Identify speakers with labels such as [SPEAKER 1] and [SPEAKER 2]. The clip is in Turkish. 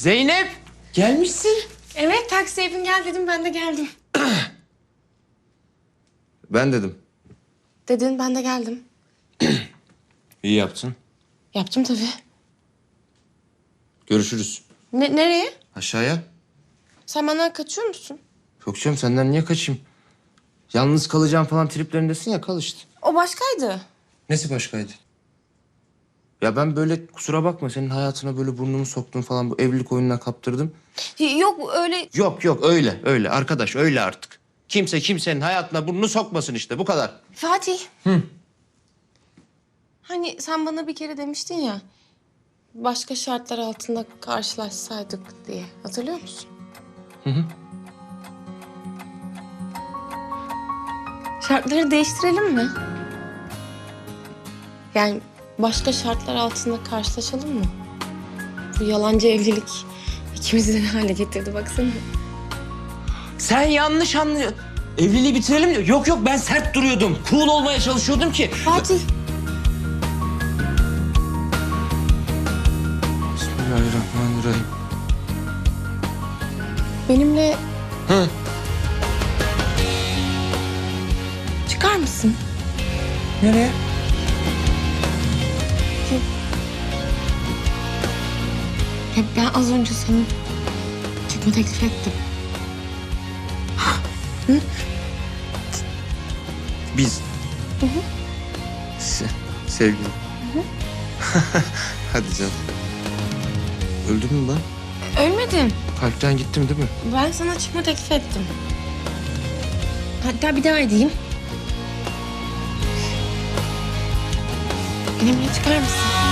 [SPEAKER 1] Zeynep, gelmişsin.
[SPEAKER 2] Evet, taksiye gel dedim, ben de geldim.
[SPEAKER 1] Ben dedim.
[SPEAKER 2] Dedin, ben de geldim.
[SPEAKER 1] İyi yaptın.
[SPEAKER 2] Yaptım tabii.
[SPEAKER 1] Görüşürüz.
[SPEAKER 2] Nereye?
[SPEAKER 1] Aşağıya.
[SPEAKER 2] Sen benden kaçıyor musun?
[SPEAKER 1] Yok canım, senden niye kaçayım? Yalnız kalacağım falan triplerindesin ya, kal işte.
[SPEAKER 2] O başkaydı.
[SPEAKER 1] Nesi başkaydı? Ya ben böyle kusura bakma senin hayatına böyle burnumu soktum falan, bu evlilik oyununa kaptırdım.
[SPEAKER 2] Yok öyle...
[SPEAKER 1] Yok öyle arkadaş, öyle artık. Kimse kimsenin hayatına burnunu sokmasın işte, bu kadar.
[SPEAKER 2] Fatih. Hani sen bana bir kere demiştin ya... başka şartlar altında karşılaşsaydık diye. Hatırlıyor musun?
[SPEAKER 1] Hı.
[SPEAKER 2] Şartları değiştirelim mi? Yani başka şartlar altında karşılaşalım mı? Bu yalancı evlilik ikimizi ne hale getirdi baksana.
[SPEAKER 1] Sen yanlış anlıyorsun. Evliliği bitirelim diyor. Yok ben sert duruyordum. Cool olmaya çalışıyordum ki.
[SPEAKER 2] Fatih.
[SPEAKER 1] Bismillahirrahmanirrahim.
[SPEAKER 2] Benimle
[SPEAKER 1] Hı.
[SPEAKER 2] çıkar mısın?
[SPEAKER 1] Nereye?
[SPEAKER 2] Ya ben az önce sana çıkma teklif ettim.
[SPEAKER 1] Biz. Sevgili. Hadi canım. Öldün mü lan?
[SPEAKER 2] Ölmedim.
[SPEAKER 1] Kalpten gittim değil mi?
[SPEAKER 2] Ben sana çıkma teklif ettim. Hatta bir daha edeyim. Benimle çıkar mısın?